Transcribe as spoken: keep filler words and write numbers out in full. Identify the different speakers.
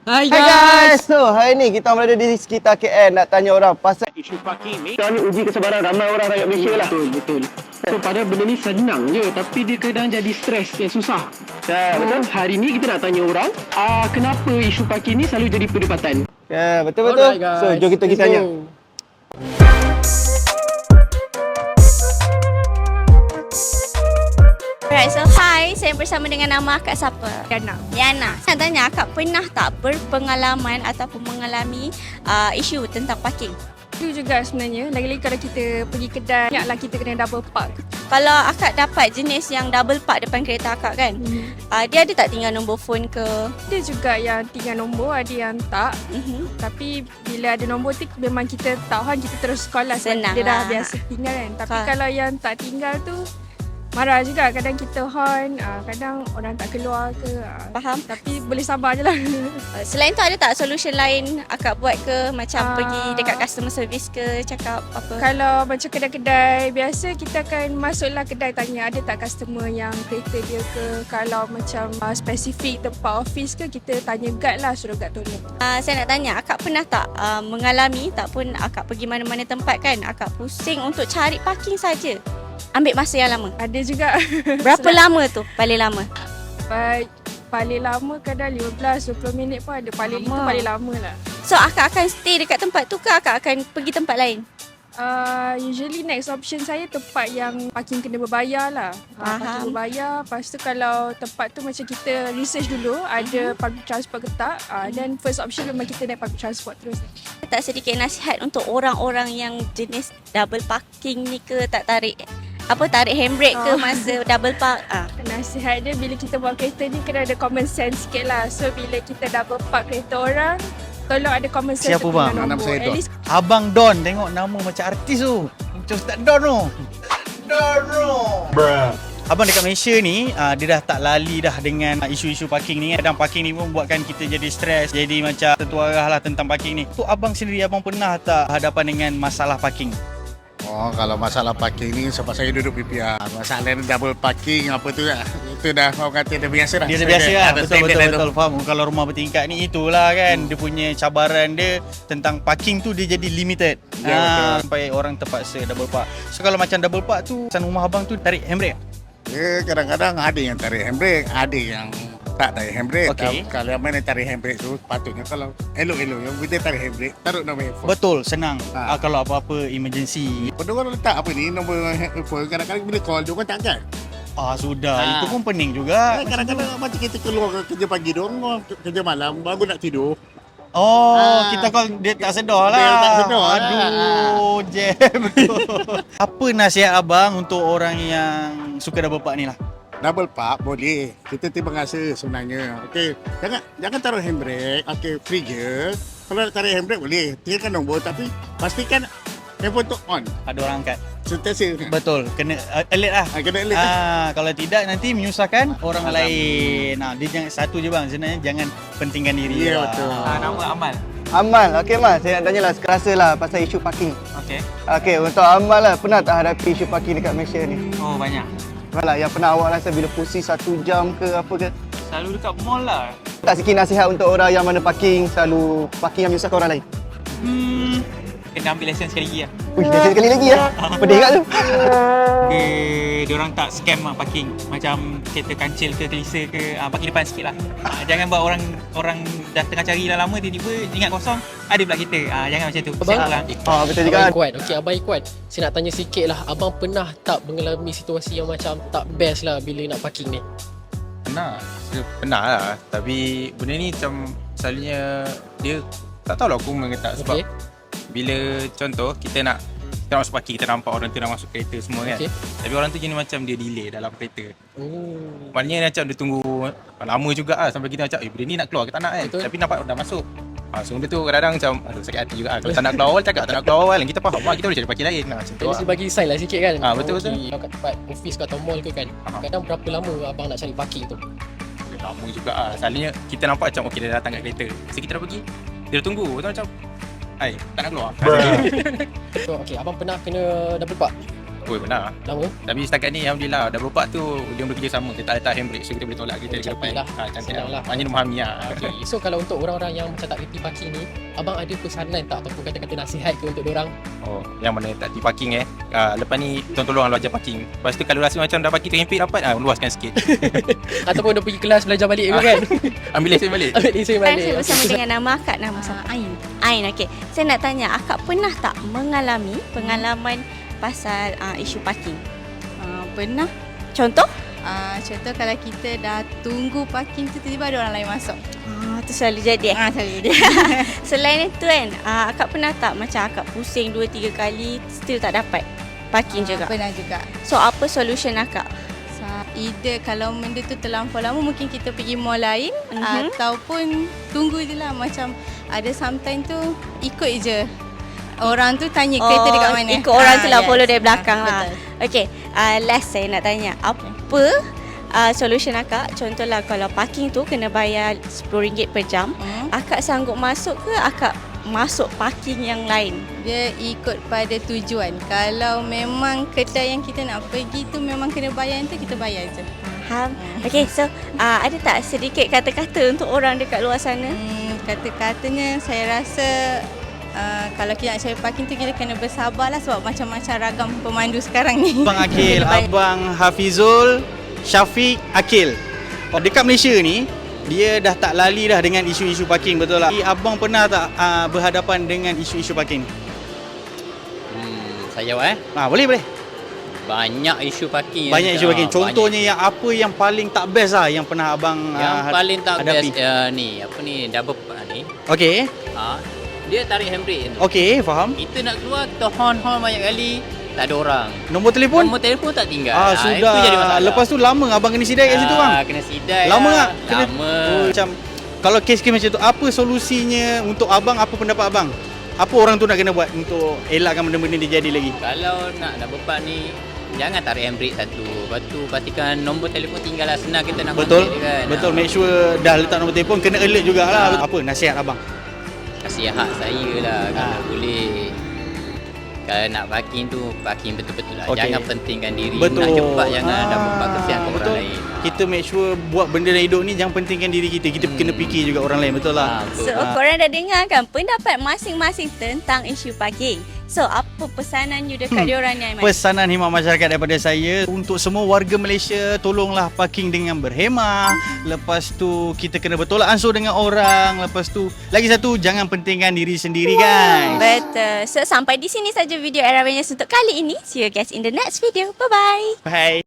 Speaker 1: Hai
Speaker 2: Hai
Speaker 1: guys.
Speaker 2: guys, so hari ni kita berada di sekitar K L nak tanya orang pasal
Speaker 3: Isu parking ni kita ni uji kesabaran ramai orang rakyat Malaysia lah.
Speaker 1: Betul, betul. So padahal benda ni senang je tapi dia kadang jadi stres yang susah.
Speaker 3: Ya,
Speaker 1: So,
Speaker 3: betul.
Speaker 1: hari ni kita nak tanya orang uh, kenapa isu parking ni selalu jadi perdebatan.
Speaker 2: ya, betul-betul.
Speaker 1: Alright, guys.
Speaker 2: So jom kita pergi
Speaker 1: Let's
Speaker 2: tanya.
Speaker 1: go.
Speaker 4: Alright, so hi, saya bersama dengan nama akak siapa? Yana. Yana. Saya tanya akak pernah tak berpengalaman ataupun mengalami uh, isu tentang parking?
Speaker 5: Itu juga sebenarnya, lagi-lagi kalau kita pergi kedai, banyaklah kita kena double park.
Speaker 4: Kalau akak dapat jenis yang double park depan kereta akak kan,
Speaker 5: Hmm.
Speaker 4: uh, dia ada tak tinggal nombor phone ke?
Speaker 5: Ada juga yang tinggal nombor, ada yang tak.
Speaker 4: Uh-huh.
Speaker 5: Tapi bila ada nombor tu memang kita tahu kan, kita terus call lah sebab
Speaker 4: Senang
Speaker 5: dia dah
Speaker 4: lah.
Speaker 5: biasa tinggal kan. Tapi
Speaker 4: Faham.
Speaker 5: kalau yang tak tinggal tu marah juga, kadang kita horn, ah, kadang orang tak keluar ke. ah.
Speaker 4: Faham?
Speaker 5: Tapi boleh sabar je lah.
Speaker 4: Uh, selain tu ada tak solution lain akak buat ke? Macam
Speaker 5: Ah.
Speaker 4: pergi dekat customer service ke, cakap apa?
Speaker 5: Kalau macam kedai-kedai biasa, kita akan masuklah kedai tanya ada tak customer yang kereta dia ke. Kalau macam uh, spesifik tempat office ke, kita tanya guard lah, suruh guard tolong.
Speaker 4: Uh, saya nak tanya, akak pernah tak uh, mengalami tak pun akak pergi mana-mana tempat kan, akak pusing untuk cari parking saja? Ambil masa yang lama.
Speaker 5: Ada juga.
Speaker 4: Berapa lama tu paling lama?
Speaker 5: Baik, paling lama kadang lima belas dua puluh minit pun ada. Paling itu
Speaker 4: Lama.
Speaker 5: paling lama lah.
Speaker 4: So akak akan stay dekat tempat tu ke akak akan pergi tempat lain?
Speaker 5: Uh, usually next option saya tempat yang parking kena berbayar lah. Uh,
Speaker 4: Faham.
Speaker 5: parking berbayar. Lepas tu kalau tempat tu macam kita research dulu, ada public transport ke tak. Uh, then first option memang kita naik public transport terus.
Speaker 4: Tak sedikit nasihat untuk orang-orang yang jenis double parking ni ke, tak tarik apa tarik handbrake ke
Speaker 5: Oh.
Speaker 4: masa double park? Ah.
Speaker 5: Nasihat dia bila kita bawa kereta ni kena ada common sense sikit lah. So bila kita double park kereta orang, tolong ada common sense.
Speaker 6: Siapa
Speaker 5: untuk
Speaker 6: bang?
Speaker 5: guna
Speaker 6: Nama
Speaker 5: nombor.
Speaker 6: saya
Speaker 5: At
Speaker 6: Don.
Speaker 5: least
Speaker 6: Abang Don, tengok nama macam artis tu. Macam Ustaz Don tu. Don tu. Abang dekat Malaysia ni, uh, dia dah tak lali dah dengan uh, isu-isu parking ni. Kadang parking ni pun buatkan kita jadi stres, jadi macam tertuarah lah tentang parking ni. Tu abang sendiri, abang pernah tak hadapan dengan masalah parking?
Speaker 7: Oh, kalau masalah parking ni sebab saya duduk P P R. Masalah ni double parking apa tu lah. Itu dah orang kata dah biasa dah.
Speaker 6: Dia dah biasa lah,
Speaker 7: Ada
Speaker 6: betul
Speaker 7: standard
Speaker 6: betul
Speaker 7: dah tu.
Speaker 6: betul faham. Kalau rumah bertingkat ni itulah kan, dia punya cabaran dia tentang parking tu dia jadi limited.
Speaker 7: Ya, betul.
Speaker 6: Sampai orang terpaksa double park. So kalau macam double park tu, pesan rumah abang tu tarik handbrake?
Speaker 7: Dia kadang-kadang ada yang tarik handbrake, ada yang tak tarik handbrake.
Speaker 6: Okey.
Speaker 7: Kalau yang mana tarik handbrake tu, patutnya kalau elok-elok yang kita tarik handbrake, taruh nombor handphone.
Speaker 6: Betul, senang.
Speaker 7: Ha.
Speaker 6: Ah, kalau apa-apa emergency.
Speaker 7: Pada orang letak apa ni, nombor handphone, kadang-kadang bila call, dia orang tak angkat.
Speaker 6: Ah sudah,
Speaker 7: Ha.
Speaker 6: itu pun pening juga.
Speaker 7: Kadang-kadang macam kita keluar kerja pagi dong, kerja malam, baru nak tidur.
Speaker 6: Oh,
Speaker 7: Ah.
Speaker 6: kita call dia tak sedar lah.
Speaker 7: Dia tak sedar lah.
Speaker 6: Aduh, jam betul. Apa nasihat abang untuk orang yang suka double park ni lah?
Speaker 7: Double park boleh. Kita terima kasih sebenarnya. Okey, jangan jangan taruh handbrake. Okey, free je. Kalau nak tarik handbrake boleh. Tinggalkan nombor tapi pastikan handphone tu on.
Speaker 6: Ada orang angkat.
Speaker 7: Sentiasa.
Speaker 6: Betul, kena uh, alert lah.
Speaker 7: Ha, kena alert. Ah.
Speaker 6: Ah, kalau tidak nanti menyusahkan orang lain. Nah, dia jangan satu je bang, sebenarnya jangan pentingkan diri.
Speaker 7: Ya,
Speaker 6: lah.
Speaker 7: betul.
Speaker 6: Ah,
Speaker 8: Nama Amal.
Speaker 2: Amal, okey Amal, saya nak tanya lah, rasa lah pasal isu parking.
Speaker 8: Okey.
Speaker 2: Okey, untuk Amal lah, pernah tak hadapi isu parking dekat Malaysia ni?
Speaker 8: Oh, banyak.
Speaker 2: Malah yang pernah awak rasa bila pusing satu jam ke apa ke?
Speaker 8: Selalu dekat mall lah.
Speaker 2: Tak sikit nasihat untuk orang yang mana parking, selalu parking yang menyusahkan orang lain?
Speaker 8: Hmm. Kena ambil lesen sekali lagi lah.
Speaker 2: Wih, lesen sekali lagi ya. Pedih kat tu.
Speaker 8: Okay, diorang tak scam lah parking. Macam kereta kancil ke kelisa ke, ah, parking depan sikit lah. Ah, jangan buat orang orang dah tengah cari dah lama, tiba-tiba ingat kosong, ada pula kereta. Ah, jangan macam tu.
Speaker 1: Abang?
Speaker 8: Siap lah.
Speaker 2: Oh, betul juga.
Speaker 1: Abang Ikhwan. Okey, Abang Ikhwan. Saya nak tanya sikit lah. Abang pernah tak mengalami situasi yang macam tak best lah bila nak parking ni?
Speaker 9: Pernah, saya pernah lah. Tapi benda ni macam selalunya dia tak tahulah aku mengetak sebab
Speaker 1: Okey.
Speaker 9: bila contoh kita nak kita nak masuk parking, kita nampak orang tu nak masuk kereta semua kan.
Speaker 1: Okey.
Speaker 9: Tapi orang tu jenis macam dia delay dalam kereta.
Speaker 1: Oh.
Speaker 9: Maknanya macam dia tunggu lama juga lah sampai kita macam eh benda ni nak keluar ke tak nak kan.
Speaker 1: Betul.
Speaker 9: Tapi nampak dah masuk. Ha, so benda tu kadang-kadang macam aduh sakit hati juga lah. Kalau tak nak keluar awal cakap tak nak keluar awal, kita faham lah, kita boleh cari parking lain lah macam tu
Speaker 1: Jadi
Speaker 9: lah.
Speaker 1: saya bagi sign lah sikit kan.
Speaker 9: Ah, betul, betul.
Speaker 1: Okey, kalau kat tempat office ke atau mall ke kan.
Speaker 9: Ah.
Speaker 1: Kadang berapa lama abang nak cari parking tu?
Speaker 9: Lama juga lah. Selalunya kita nampak macam okey dia datang kat kereta. So kita dah pergi, dia dah tunggu. Tu macam hai, tak nak keluar.
Speaker 1: So okey, abang pernah kena double park?
Speaker 9: Oh, benar.
Speaker 1: Lama?
Speaker 9: Tapi setakat ni Alhamdulillah dah berupat tu dia bekerja sama. Kita letak handbrake so kita boleh tolak kita
Speaker 1: Oh,
Speaker 9: ke
Speaker 1: cantik
Speaker 9: depan.
Speaker 1: lah.
Speaker 9: Ha, cantik
Speaker 1: Senang
Speaker 9: lah.
Speaker 1: lah.
Speaker 9: Maknanya dia memahami lah.
Speaker 1: Okay. So kalau untuk orang-orang yang macam tak reti parking ni, abang ada pesanan tak ataupun kata-kata nasihat ke untuk diorang?
Speaker 9: Oh, yang mana tak reti parking eh. Uh, lepas ni tolong lu ajar parking. Lepas tu kalau rasa macam dah parking terhimpit rapat, ah luaskan sikit.
Speaker 1: Ataupun dia pergi kelas belajar balik ke kan?
Speaker 9: Ambil lesen balik.
Speaker 1: Ambil lesen
Speaker 4: Kan
Speaker 1: balik.
Speaker 4: saya bersama dengan nama akak, nama siapa? Ain. Ain, okey. Saya nak tanya, akak pernah tak mengalami pengalaman pasal uh, isu parking?
Speaker 10: Uh, pernah.
Speaker 4: Contoh?
Speaker 10: Uh, contoh kalau kita dah tunggu parking tu tiba-tiba ada orang lain masuk.
Speaker 4: Ah, tu selalu jadi eh?
Speaker 10: Ah, selalu jadi.
Speaker 4: Selain itu kan, uh, akak pernah tak macam akak pusing dua tiga kali still tak dapat parking
Speaker 10: Uh,
Speaker 4: juga?
Speaker 10: Pernah juga.
Speaker 4: So apa solution akak?
Speaker 10: So, either kalau benda tu terlampau lama mungkin kita pergi mall lain
Speaker 4: Mhm.
Speaker 10: ataupun tunggu je lah. Macam ada sometimes tu ikut je. Orang tu tanya kereta dekat mana.
Speaker 4: Ikut orang tu lah,
Speaker 10: Ah,
Speaker 4: follow
Speaker 10: yes.
Speaker 4: dari belakang
Speaker 10: Ah,
Speaker 4: lah.
Speaker 10: betul.
Speaker 4: Okay, uh, last saya nak tanya. Apa uh, solution akak? Contohlah kalau parking tu kena bayar sepuluh ringgit per jam.
Speaker 10: Hmm.
Speaker 4: Akak sanggup masuk ke akak masuk parking yang lain?
Speaker 10: Dia ikut pada tujuan. Kalau memang kedai yang kita nak pergi tu memang kena bayar tu, kita bayar je.
Speaker 4: Faham? Okay, so uh, ada tak sedikit kata-kata untuk orang dekat luar sana?
Speaker 10: Hmm, kata-katanya saya rasa uh, kalau kita nak cari parking tu kita kena bersabarlah sebab macam-macam ragam pemandu sekarang ni.
Speaker 6: Abang Akil, Abang Hafizul, Syafiq, Akil. Dekat Malaysia ni, dia dah tak lali dah dengan isu-isu parking, betul tak? Abang pernah tak uh, berhadapan dengan isu-isu parking?
Speaker 11: Hmm, saya jawab eh.
Speaker 6: Ah, boleh boleh.
Speaker 11: Banyak isu parking.
Speaker 6: Banyak
Speaker 11: yang
Speaker 6: isu parking.
Speaker 11: ah,
Speaker 6: Contohnya yang apa yang paling tak best lah yang pernah abang
Speaker 11: banyak. Yang
Speaker 6: uh,
Speaker 11: paling tak
Speaker 6: hadapi?
Speaker 11: best uh, ni, apa ni, double park ni.
Speaker 6: Okey.
Speaker 11: Ha, dia tarik handbrake tu.
Speaker 6: Okey, faham.
Speaker 11: Kita nak keluar, kita horn-horn banyak kali, tak ada orang.
Speaker 6: Nombor telefon?
Speaker 11: Nombor telefon tak tinggal.
Speaker 6: Ah,
Speaker 11: Ah,
Speaker 6: sudah.
Speaker 11: Itu jadi masalah.
Speaker 6: Lepas tu lama abang kena sidai kat situ bang?
Speaker 11: Ah, kena sidai
Speaker 6: Lama
Speaker 11: lah.
Speaker 6: tak? Kena-
Speaker 11: Lama.
Speaker 6: Oh, macam kalau kes-kes macam tu, apa solusinya untuk abang? Apa pendapat abang? Apa orang tu nak kena buat untuk elakkan benda-benda ni jadi lagi?
Speaker 11: Kalau nak double park ni, jangan tarik handbrake satu. Lepas tu pastikan nombor telefon tinggal lah. Senang kita nak
Speaker 6: Betul,
Speaker 11: contact dia kan.
Speaker 6: betul.
Speaker 11: Ah.
Speaker 6: Make sure dah letak nombor telefon, kena alert jugalah. Apa nasihat abang?
Speaker 11: Nasihat saya lah kalau
Speaker 6: Ah.
Speaker 11: boleh. Kalau nak parking tu, parking betul-betul lah.
Speaker 6: Okey.
Speaker 11: Jangan pentingkan diri.
Speaker 6: Betul.
Speaker 11: Nak cepat, jangan
Speaker 6: Ah,
Speaker 11: ada membuat kesian ke
Speaker 6: betul.
Speaker 11: orang lain.
Speaker 6: Kita make sure buat benda dalam hidup ni jangan pentingkan diri kita. Kita
Speaker 11: Hmm.
Speaker 6: kena fikir juga orang lain, betul lah.
Speaker 11: Ah, betul.
Speaker 4: So,
Speaker 6: Ah.
Speaker 4: korang dah dengar kan pendapat masing-masing tentang isu parking. So, apa pesanan you dekat
Speaker 6: Hmm.
Speaker 4: diorang ni, Aiman?
Speaker 6: Pesanan khidmat masyarakat daripada saya untuk semua warga Malaysia, tolonglah parking dengan berhemah. Lepas tu kita kena bertolak ansur dengan orang. Lepas tu lagi satu, jangan pentingkan diri sendiri guys.
Speaker 4: Betul. So, sampai di sini saja video Era Venus untuk kali ini. See you guys in the next video. Bye-bye.
Speaker 6: Bye.